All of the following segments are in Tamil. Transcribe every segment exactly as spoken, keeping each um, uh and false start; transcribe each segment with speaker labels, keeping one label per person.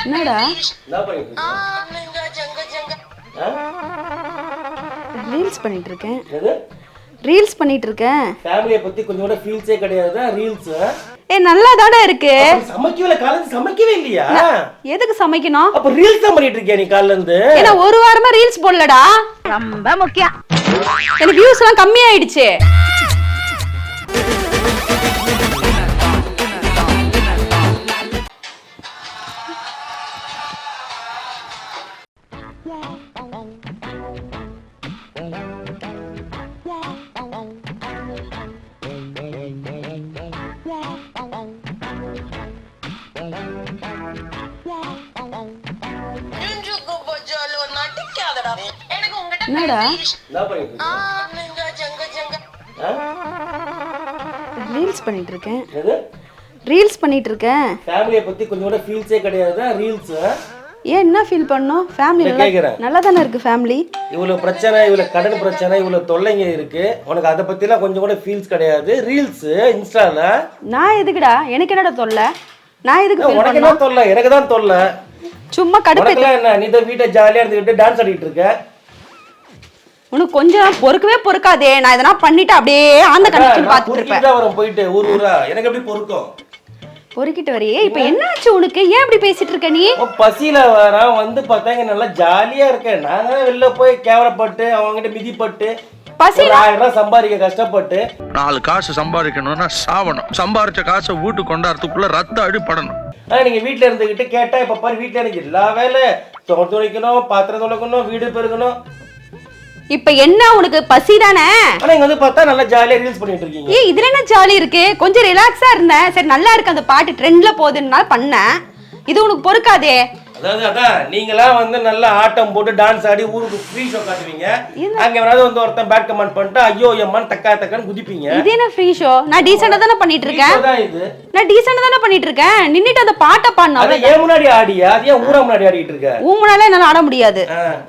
Speaker 1: என்னடா ரீல்ஸ் பண்ணிட்டு இருக்கேன். ரீல்ஸ் பண்ணிட்டு இருக்கேன்.
Speaker 2: ஃபேமிலியை பத்தி கொஞ்சம் கூட ஃபீல்ஸே கிடையாதா ரீல்ஸ்?
Speaker 1: ஏ நல்லா தானே இருக்கு.
Speaker 2: சமைக்கவே காலையில சமைக்கவே இல்லையா?
Speaker 1: எதுக்கு சமைக்கணும்?
Speaker 2: அப்ப ரீல்ஸ் தான் பண்ணிட்டு இருக்கியா நீ காலையில இருந்து?
Speaker 1: ஏன்னா ஒரு வாரமா ரீல்ஸ் போடலடா. ரொம்ப முக்கியம். எனக்கு வியூஸ் எல்லாம் கம்மி ஆயிடுச்சு. என்னடா ரீல்ஸ் பண்ணிட்டு இருக்கேன். ரீல்ஸ் பண்ணிட்டு இருக்கேன்.
Speaker 2: ஃபேமிலியை பத்தி கொஞ்சம் கூட ஃபீல்ஸே கிடையாதா ரீல்ஸ்?
Speaker 1: ஏன் என்ன ஃபீல் பண்ணோம்? ஃபேமிலி நல்லா தானே இருக்கு. ஃபேமிலி
Speaker 2: இவ்வளவு பிரச்சனை, இவ்வளவு கடன் பிரச்சனை, இவ்வளவு தொல்லைங்க இருக்கு, உனக்கு அதை பத்தி எல்லாம் கொஞ்சம் கூட ஃபீல்ஸ் கிடையாது. ரீல்ஸ் இன்ஸ்டால
Speaker 1: நான் எதுக்குடா? எனக்கு என்னடா தொல்லை? நான் எதுக்கு ஃபீல்
Speaker 2: உனக்கு என்ன தொல்லை? எனக்கு தான் தொல்லை.
Speaker 1: சும்மா கடுப்பு
Speaker 2: என்ன? நீ தான் வீட்டை ஜாலியா இருந்துகிட்டு டான்ஸ் ஆடிட்டு இருக்க.
Speaker 1: உனக்கு கொஞ்சம் பொறுக்கவே பொறுக்காதே. நான் எதனா பண்ணிட்டு அப்படியே அந்த கண்டிஷன் பார்த்துட்டு இருப்பேன்.
Speaker 2: வரும் போயிட்டு ஊர் ஊரா எனக்கு எப்படி பொறுக்கும்?
Speaker 1: பொறுக்கிட்டு வரையே. இப்ப என்னாச்சு உனக்கு? ஏன் இப்படி பேசிட்டு இருக்க நீ?
Speaker 2: பசியில வர வந்து பார்த்தாங்க நல்லா ஜாலியா இருக்கேன். நான் தான் வெளில போய் கேவலப்பட்டு அவங்ககிட்ட மிதிப்பட்டு பசியில ஆயிரம் ரூபாய் சம்பாதிக்க கஷ்டப்பட்டு
Speaker 3: நாலு காசு சம்பாதிக்கணும்னா சாவணும். சம்பாதிச்ச காசை வீட்டு கொண்டாடுறதுக்குள்ள ரத்த அடிப்படணும்.
Speaker 2: ஆனா நீங்க வீட்டுல இருந்துகிட்டு கேட்டா இப்ப பாரு வீட்டுல எனக்கு எல்லா வேலை துடைக்கணும், பாத்திரம் துடைக்கணும், வீடு பெருக்கணும்.
Speaker 1: இப்ப என்ன உனக்கு பசி தானே?
Speaker 2: ஆனா இங்க வந்து பார்த்தா நல்லா ஜாலியா ரீல்ஸ் பண்ணிட்டு இருக்கீங்க.
Speaker 1: ஏய் இதுல என்ன ஜாலி இருக்கு? கொஞ்சம் ரிலாக்ஸா இருந்தேன். சரி நல்லா இருக்கு அந்த பாட்டு ட்ரெண்ட்ல போகுதுன்னால பண்ணேன். இது உனக்கு பொறுக்காதே.
Speaker 2: அதாவது அதான் நீங்களாம் வந்து நல்லா ஆட்டம் போட்டு டான்ஸ் ஆடி ஊருக்கு ஃப்ரீ ஷோ காட்டுவீங்க. அங்க வேணாவது வந்து ஒருத்தன் பேட் கமெண்ட் பண்ணிட்டு ஐயோ எம்மான் தக்கா தக்கான்னு குதிப்பீங்க.
Speaker 1: இது என்ன ஃப்ரீ ஷோ? நான் டீசெண்டா தானே பண்ணிட்டு இருக்கேன்.
Speaker 2: இது
Speaker 1: நான் டீசெண்டா தானே பண்ணிட்டு இருக்கேன். நின்னுட்டு அந்த பாட்டை பாடுனா
Speaker 2: அது ஏன் முன்னாடி ஆடியா? அது ஏன் ஊரா முன்னாடி ஆடிட்டு இருக்க?
Speaker 1: ஊ முன்னால என்னால ஆட முடியாது.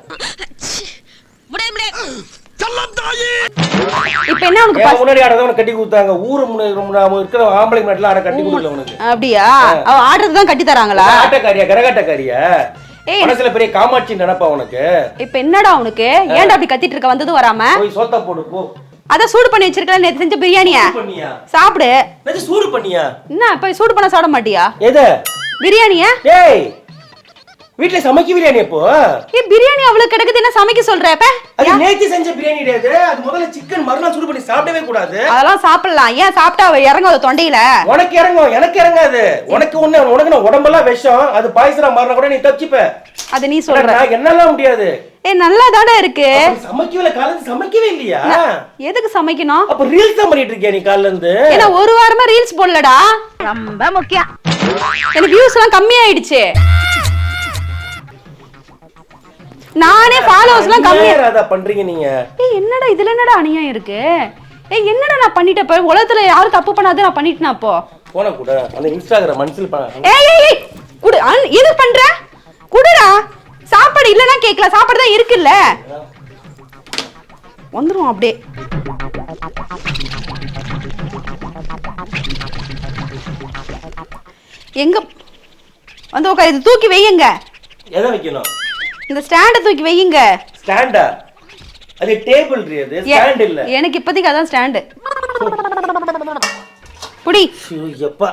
Speaker 1: இப்ப என்ன உனக்கு
Speaker 2: முன்னாடி ஆடுறத கட்டி கொடுத்தாங்க. ஊரு முன்னாடி இருக்கிற ஆம்பளை முன்னாடி ஆட கட்டி கொடுக்கல உனக்கு.
Speaker 1: அப்படியா? அவ ஆடுறது தான் கட்டி தராங்களா?
Speaker 2: ஆட்டக்காரியா கரகாட்டக்காரியா? மனசுல பெரிய காமாட்சி நினைப்பா உனக்கு.
Speaker 1: இப்ப என்னடா உனக்கு? ஏன்டா அப்படி கத்திட்டு இருக்க? வந்தது வராம
Speaker 2: போய் சோத்தா போடு போ.
Speaker 1: அத சூடு பண்ணி வச்சிருக்கல. நேத்து செஞ்ச பிரியாணியா சாப்பிடு.
Speaker 2: நேத்து சூடு பண்ணியா?
Speaker 1: என்ன இப்ப சூடு பண்ண சாப்பிட மாட்டியா?
Speaker 2: எது
Speaker 1: பிரியாணியா?
Speaker 2: ஏய் வீட்ல சமைக்க பிரியாணி எப்போ?
Speaker 1: ஏ பிரியாணி அவ்வளவு கிடக்குது என்ன சமைக்க சொல்ற? அப்ப
Speaker 2: அது நேத்து செஞ்ச பிரியாணி கிடையாது. அது முதல்ல சிக்கன் மறுநாள் சூடு பண்ணி சாப்பிடவே கூடாது.
Speaker 1: அதெல்லாம் சாப்பிடலாம். ஏன் சாப்பிட்டா இறங்காது தொண்டையில?
Speaker 2: உனக்கு இறங்கும், எனக்கு இறங்காது. உனக்கு ஒண்ணு உனக்கு உடம்பெல்லாம் விஷம். அது பாய்ச்சலா மாறினா கூட நீ தப்பிப்ப.
Speaker 1: அது நீ சொல்ற.
Speaker 2: நான் என்னலாம் முடியாது.
Speaker 1: ஏ நல்லா தானே இருக்கு.
Speaker 2: சமைக்கவே காலையில சமைக்கவே இல்லையா?
Speaker 1: எதுக்கு சமைக்கணும்?
Speaker 2: அப்ப ரீல்ஸ் தான் பண்ணிட்டு இருக்கியா நீ காலையில இருந்து?
Speaker 1: ஏன்னா ஒரு வாரமா ரீல்ஸ் போடலடா. ரொம்ப முக்கியம். எனக்கு வியூஸ் எல்லாம் கம்மி ஆயிடுச்சு. நானே ஃபாலோவர்ஸ்லாம் கம்மியா
Speaker 2: அத பண்றீங்க நீங்க.
Speaker 1: ஏய் என்னடா இதுல என்னடா அநியாயம் இருக்கு? ஏய் என்னடா நான் பண்ணிட்டேன்? போய் உலகத்துல யாரும் தப்பு பண்ணாத நான் பண்ணிட்டேனா அப்போ? போன கூட அந்த இன்ஸ்டாகிராம் மன்சில் பண்ண. ஏய் ஏய் குடு. இது பண்ற? குடுடா. சாப்பாடு இல்லனா கேக்கல. சாப்பாடு தான் இருக்குல்ல. வந்துரும் அப்படியே. எங்க வந்து உட்கார். இது தூக்கி வையுங்க.
Speaker 2: எதை வைக்கணும்?
Speaker 1: இந்த ஸ்டாண்ட தூக்கி வையுங்க.
Speaker 2: ஸ்டாண்டா? அது டேபிள் இது ஸ்டாண்ட் இல்ல.
Speaker 1: எனக்கு இப்போதைக்கு அதான் ஸ்டாண்ட். புடி.
Speaker 2: ஐயப்பா.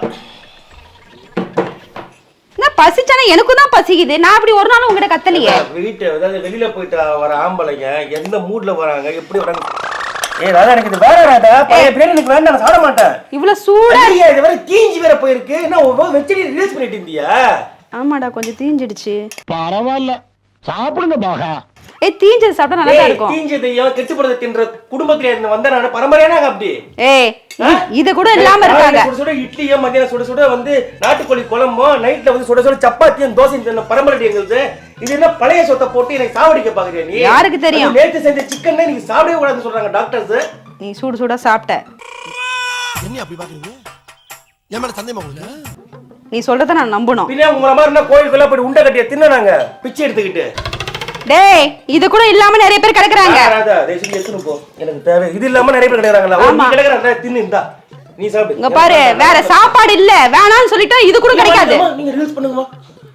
Speaker 1: நான் பசிச்சனா எனக்கும் தான் பசிக்குது. நான் அப்படி ஒரு நாள் உங்ககிட்ட கத்தலையே.
Speaker 2: வீட்டு அதாவது வெளியில போயிட்டு வர ஆம்பளைங்க எந்த மூட்ல வராங்க எப்படி வராங்க? ஏய் ராதா எனக்கு இது வேற ராதா. பைய பிளேன் எனக்கு வேண்டாம் நான் சாப்பிட மாட்டேன்.
Speaker 1: இவ்வளவு சூடா
Speaker 2: இது வேற தீஞ்சி வேற போயிருக்கு. என்ன வெச்சடி ரிலீஸ் பண்ணிட்டு இருந்தியா?
Speaker 1: ஆமாடா கொஞ்சம் தீஞ்சிடுச்சு.
Speaker 3: பரவாயில்ல சாப்பிடுங்க பாகா.
Speaker 1: ஏய் தீஞ்சது சாப்பிட்டா நல்லா தான் இருக்கும்.
Speaker 2: தீஞ்சது ஏன் கெட்டு போறத தின்ற குடும்பத்துல இருந்து வந்த நான் பரம்பரையானாங்க அப்படி.
Speaker 1: ஏய் இது கூட இல்லாம இருக்காங்க.
Speaker 2: சுட சுட இட்லியோ மத்தியானம் சுட சுட வந்து நாட்டுக்கோழி குழம்போ நைட்ல வந்து சுட சுட சப்பாத்தியும் தோசையும் தின்ன பரம்பரை எங்களுக்கு. இது என்ன பழைய சொத்தை போட்டு எனக்கு சாவடிக்க பாக்குறியா நீ?
Speaker 1: யாருக்கு தெரியும்?
Speaker 2: நேத்து செஞ்ச சிக்கன் நீங்க சாப்பிடவே கூடாதுன்னு சொல்றாங்க டாக்டர்ஸ்.
Speaker 1: நீ சூடு சூடா சாப்பிட்ட.
Speaker 4: என்ன அப்படி பாக்குறீங்க? ஏன் மேல சந்தேகமா உங்களுக்கு?
Speaker 1: நீ சொல்றத நான் நம்பணும்.
Speaker 2: பின்ன உங்கள மாதிரி என்ன கோயிலுக்குள்ள போய் உண்டை கட்டிய தின்னனாங்க பிச்சை எடுத்துக்கிட்டு.
Speaker 1: டேய் இது கூட இல்லாம நிறைய பேர் கிடக்குறாங்க.
Speaker 2: ராதா தேசிக்கு எடுத்துட்டு போ. எனக்கு தேவை. இது இல்லாம நிறைய பேர் கிடக்குறாங்களா? நீ கிடக்குறத தின்னு இந்தா. நீ சாப்பிடு.
Speaker 1: இங்க பாரு வேற சாப்பாடு இல்ல வேணாம்னு சொல்லிட்டா இது கூட கிடைக்காது.
Speaker 2: நீங்க ரீல்ஸ் பண்ணுங்கமா.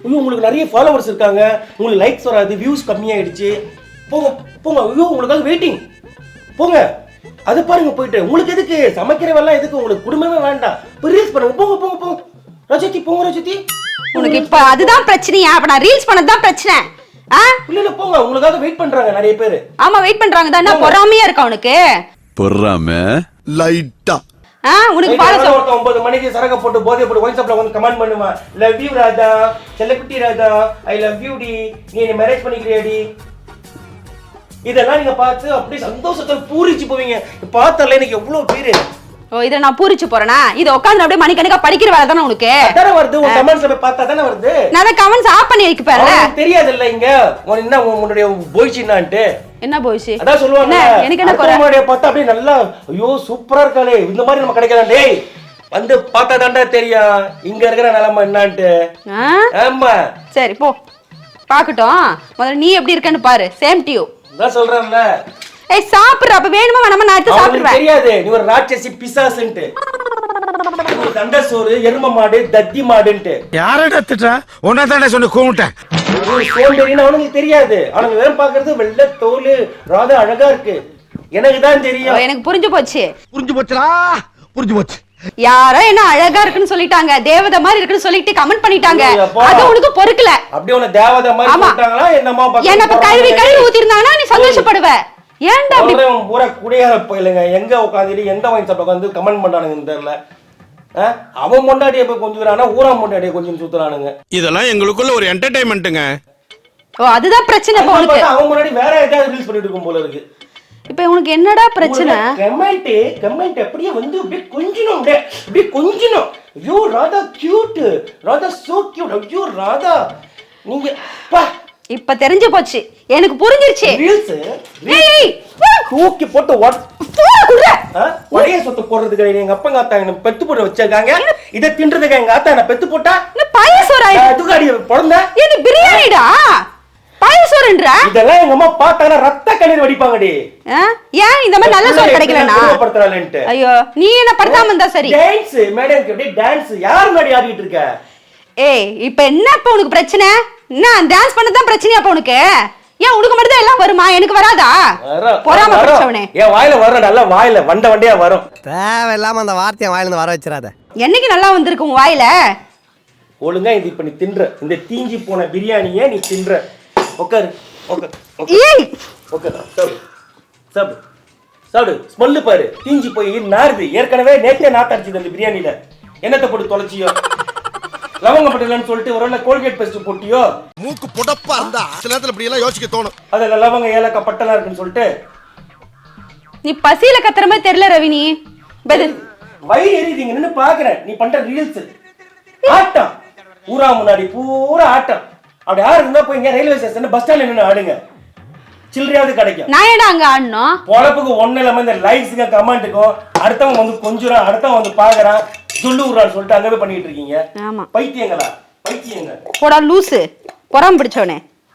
Speaker 2: ஐயோ உங்களுக்கு நிறைய ஃபாலோவர்ஸ் இருக்காங்க, உங்களுக்கு லைக்ஸ் வராது, வியூஸ் கம்மியாயிடுச்சு, போங்க போங்க, ஐயோ உங்களுக்காக வெயிட்டிங், போங்க. அது பாருங்க போயிட்டு, உங்களுக்கு எதுக்கு சமைக்கிறவெல்லாம் எதுக்கு, உங்களுக்கு குடும்பமே வேண்டாம், போய் ரீல்ஸ் பண்ணுங்க, போங்க போங்க போங்க ரஜதி, போங்க ரஜதி.
Speaker 1: உனக்கு இப்ப அதுதான் பிரச்சனையா? அப்ப நான் ரீல்ஸ் பண்ணதான் பிரச்சனை. ஆ
Speaker 2: இல்ல இல்ல போங்க, உங்களுக்காக வெயிட் பண்றாங்க நிறைய பேர்.
Speaker 1: ஆமா வெயிட் பண்றாங்க தான். நான் பொறாமையா இருக்கா உனக்கு?
Speaker 5: பொறாம லைட்டா.
Speaker 1: ஆ உனக்கு பால
Speaker 2: சொல்ற ஒன்பது மணிக்கு சரக போட்டு போதை போட்டு வாட்ஸ்அப்ல வந்து கமெண்ட் பண்ணுமா, லவ் யூ ராதா, செல்லக்குட்டி ராதா, ஐ லவ் யூ டி, நீ என்ன மேரேஜ் பண்ணிக்கிறியாடி. இதெல்லாம் நீங்க பார்த்து அப்படியே சந்தோஷத்துல பூரிச்சு போவீங்க. பார்த்தால எனக்கு எவ்வளவு பேரு.
Speaker 1: ஓ இத நான் பூரிச்சு போறேனா? இத உட்கார்ந்து அப்படியே மணிக்கணக்கா படிக்கிற வேலை தானே உனக்கு?
Speaker 2: அதானே வருது, உன் கமெண்ட்ஸ் போய் பார்த்தா தானே வருது.
Speaker 1: நான் அத கமெண்ட்ஸ் ஆஃப் பண்ணி வைக்க பாருல.
Speaker 2: தெரியாது இல்ல இங்க உன் என்ன உன்னுடைய போய்ச்சினான்ட்டு.
Speaker 1: என்ன போய்ச்சி?
Speaker 2: அதான் சொல்லுவாங்க.
Speaker 1: எனக்கு என்ன குறை?
Speaker 2: உன்னுடைய பார்த்தா அப்படியே நல்லா ஐயோ சூப்பரா இருக்காளே, இந்த மாதிரி நம்ம கிடைக்கலாம். டேய் வந்து பார்த்தா தான்டா தெரியும் இங்க இருக்கிற நிலைமை என்னன்ட்டு. ஆமா
Speaker 1: சரி போ பாக்கட்டும். முதல்ல நீ எப்படி இருக்கன்னு பாரு. Same to you.
Speaker 2: நான் சொல்றேன்ல.
Speaker 1: ஏய் சாப்பிடுற, அப்ப வேணுமா வேணாமா நான் எடுத்து சாப்பிடுறேன்.
Speaker 2: தெரியாது நீ ஒரு ராட்சசி பிசாசுன்ட்டு. நீ தண்ட சோறு எரும மாடு தத்தி மாடுன்ட்டு.
Speaker 4: யாரடா திட்டா? உன்ன தானே சொன்ன கூமுட்டேன்.
Speaker 2: நீ சோம்பேறின்னு அவனுக்கு தெரியாது. அவனுக்கு வேற பாக்குறது வெள்ளை தோல் ராதா அழகா இருக்கு. எனக்கு தான் தெரியும்.
Speaker 1: எனக்கு புரிஞ்சு போச்சு.
Speaker 4: புரிஞ்சு போச்சுடா, புரிஞ்சு போச்சு.
Speaker 1: யாரோ என்ன அழகா இருக்குன்னு சொல்லிட்டாங்க, தேவதை மாதிரி இருக்குன்னு சொல்லிட்டு கமெண்ட் பண்ணிட்டாங்க. அது உனக்கு பொறுக்கல.
Speaker 2: அப்படியே உன தேவதை மாதிரி சொல்லிட்டாங்களா என்னமா பாக்க?
Speaker 1: என்ன இப்ப கழுவி கழுவி ஊத்திருந்தானா நீ சந்தோஷப்படுவ. ஏன்டா அப்படி
Speaker 2: பூரா குடியார போயிலங்க எங்க உட்காந்துட்டு எந்த வாங்கி சாப்பிட உட்காந்து கமெண்ட் பண்றானுங்க தெரியல. அவன் முன்னாடியே போய் கொஞ்சம் ஊரா முன்னாடியே கொஞ்சம் சுத்துறானுங்க.
Speaker 4: இதெல்லாம் எங்களுக்குள்ள ஒரு என்டர்டைன்மெண்ட்டுங்க.
Speaker 1: ஓ அதுதான் பிரச்சனை இப்ப உனக்கு.
Speaker 2: அவன் முன்னாடி வேற ஏதாவது ரீல்ஸ் பண்ணிட்டு இருக்கும் போல இருக்கு.
Speaker 1: இப்ப உனக்கு என்னடா பிரச்சனை?
Speaker 2: கமெண்ட் கமெண்ட் அப்படியே வந்து அப்படியே கொஞ்சணும், அப்படியே அப்படியே கொஞ்சணும். ஐயோ Radha cute, Radha so cute, ஐயோ ராதா நீங்க பா. இப்ப
Speaker 1: தெரிஞ்சு போச்சு, எனக்கு புரிஞ்சிருச்சு.
Speaker 2: ரீல்ஸ்
Speaker 1: ஏய்
Speaker 2: தூக்கி போட்டு வாட் ஒரே சொத்து போடுறதுக்கு எங்க அப்பா எங்க ஆத்தா என்ன பெத்து போட்டு வச்சிருக்காங்க. இத தின்றதுக்கு எங்க ஆத்தா என்ன பெத்து போட்டா
Speaker 1: பாயசோரா
Speaker 2: அதுக்காடி பொறந்த
Speaker 1: இது பிரியாணிடா. பாயசோரன்ற
Speaker 2: இதெல்லாம் எங்க அம்மா பார்த்தானா ரத்த கண்ணீர் வடிப்பாங்கடி.
Speaker 1: ஏன் இந்த மாதிரி நல்ல சோறு கிடைக்கலனா?
Speaker 2: படுத்துறாளேன்ட்டு.
Speaker 1: ஐயோ நீ என்ன படுத்தாம இருந்தா சரி.
Speaker 2: டான்ஸ் மேடம் அப்படியே டான்ஸ் யார் முன்னாடி ஆடிட்டு இருக்க?
Speaker 1: ஏய் இப்போ என்ன இப்ப உனக்கு பிரச்சனை? நான் டான்ஸ் பண்ணது தான் பிரச்சனையா அப்ப உனக்கு? ஏன் உனக்கு மட்டும் தான் எல்லாம் வருமா, எனக்கு வராதா? பொறாம பிடிச்சவனே.
Speaker 2: ஏன் வாயில வர நல்ல வாயில வண்ட வண்டியா வரும்.
Speaker 6: தேவையில்லாம அந்த வார்த்தையை வாயில இருந்து வர வச்சிராத.
Speaker 1: என்னைக்கு நல்லா வந்திருக்கு உன் வாயில?
Speaker 2: ஒழுங்கா இது இப்ப நீ தின்ற இந்த தீஞ்சி போன பிரியாணியை நீ தின்ற. உட்காரு உட்காரு.
Speaker 1: ஏய்
Speaker 2: உட்காரு சாப்பிடு சாப்பிடு சாப்பிடு. ஸ்மெல்லு பாரு தீஞ்சி போய் நாறுது. ஏற்கனவே நேற்றே நாத்தடிச்சது அந்த பிரியாணியில. என்னத்தை போட்டு தொலைச்சியோ? லவங்க பட்டலன்னு சொல்லிட்டு ஒரு கோல்கேட் பேஸ்ட் போட்டியோ?
Speaker 4: மூக்கு புடப்பா இருந்தா சில நேரத்துல இப்படி எல்லாம் யோசிக்க தோணும்.
Speaker 2: அதுல லவங்க ஏலக்காய் பட்டலா இருக்குன்னு சொல்லிட்டு
Speaker 1: நீ பசியில கத்துற மாதிரி தெரியல ரவினி.
Speaker 2: வயிறு எரியுதுங்க நின்னு பாக்குறேன். நீ பண்ற ரீல்ஸ் ஆட்டம் ஊரா முன்னாடி பூரா ஆட்டம். அப்படி யாரு இருந்தா போய் இங்க ரயில்வே ஸ்டேஷன் பஸ் ஸ்டாண்ட்ல நின்னு ஆடுங்க, சில்லறையாவது கிடைக்கும்.
Speaker 1: நான் ஏடா அங்க ஆடணும்?
Speaker 2: பொழப்புக்கு ஒண்ணு இல்லாம இந்த லைக்ஸுக்கு கமெண்ட்டுக்கும் அடுத்தவன் வந்து கொஞ்சம் அடுத்தவன் வந்து பாக்குறான் சொல்லு விடுறான்னு சொல்லிட்டு அங்கவே பண்ணிட்டு இருக்கீங்க.
Speaker 1: ஆமா
Speaker 2: பைத்தியங்களா பைத்தியங்க.
Speaker 1: போடா லூசு பொறாம பிடிச்சவனே.